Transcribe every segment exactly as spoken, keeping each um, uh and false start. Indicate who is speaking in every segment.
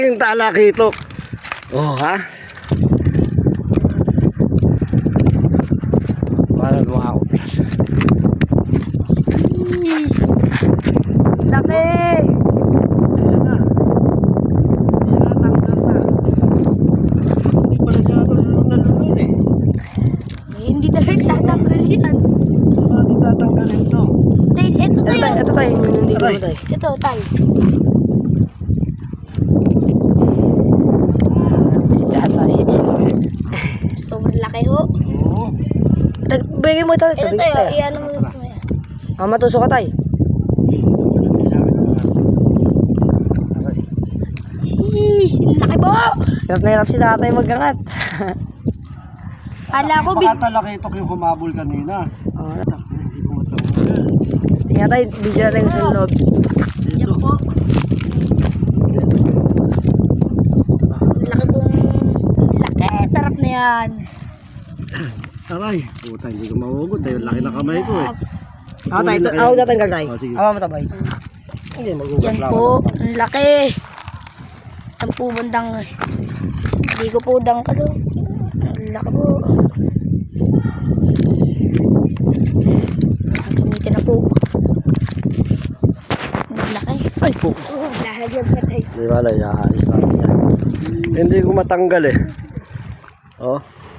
Speaker 1: Yung talakitok. Oh, ha? Parang wow.
Speaker 2: Laki!
Speaker 1: Ayan na. Tinatanggal na. Hindi pala siya nalulun eh.
Speaker 2: Eh, hindi talaga tatanggal yan.
Speaker 1: Hindi tatanggalin to.
Speaker 2: Tay, ito
Speaker 3: Ito tayo,
Speaker 2: tayo.
Speaker 3: ito tayo, yun yung dito
Speaker 1: Aray.
Speaker 3: tayo.
Speaker 2: Ito, tay.
Speaker 3: Isda tayo.
Speaker 2: Sobrang laki ho.
Speaker 1: Oo.
Speaker 3: Bigay mo ito.
Speaker 2: Ito
Speaker 3: bigay
Speaker 2: tayo,
Speaker 3: tayo.
Speaker 2: iyan mo sa mga.
Speaker 3: Ah, matusok ka tayo.
Speaker 2: Sheesh, laki po!
Speaker 3: Hirap na hirap si tatay magangat.
Speaker 2: Kala ko, big...
Speaker 1: Baka talakitok yung kumabol kanina.
Speaker 3: Oh,
Speaker 1: Hindi ko matanggal.
Speaker 3: tingnan tayo, video natin sa loob.
Speaker 2: Yan
Speaker 1: Dito.
Speaker 2: po. Laki pong... Laki, sarap na yan.
Speaker 1: Aray. Puta, hindi ko mahugot. Dahil laki ng kamay ko eh.
Speaker 3: Ako tayo, ito- ako tatanggal tayo.
Speaker 1: Oh, sige.
Speaker 3: Ako matabay.
Speaker 1: Hindi, magugas
Speaker 2: Yan
Speaker 1: lang
Speaker 2: po,
Speaker 1: ako.
Speaker 2: ang laki. Ang po bandang... Hindi ko po dangkalo. Ang laki po. Gamitin na po. Ang laki.
Speaker 3: Ay po.
Speaker 2: Oh, lalagyan pa tayo.
Speaker 1: Hindi wala, iaalis natin yan. Hindi ko matanggal eh. Oh.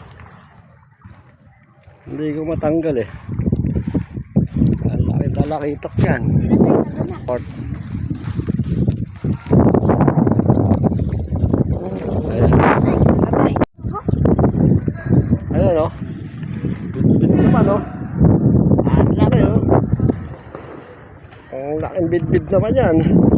Speaker 1: Hindi ko matanggal eh. Ang laki talakitok yan. Port. Ayan.
Speaker 3: Tatay.
Speaker 1: Ayan o. Bit-bit naman o. Ang laki o. Ang laking bit-bit naman yan.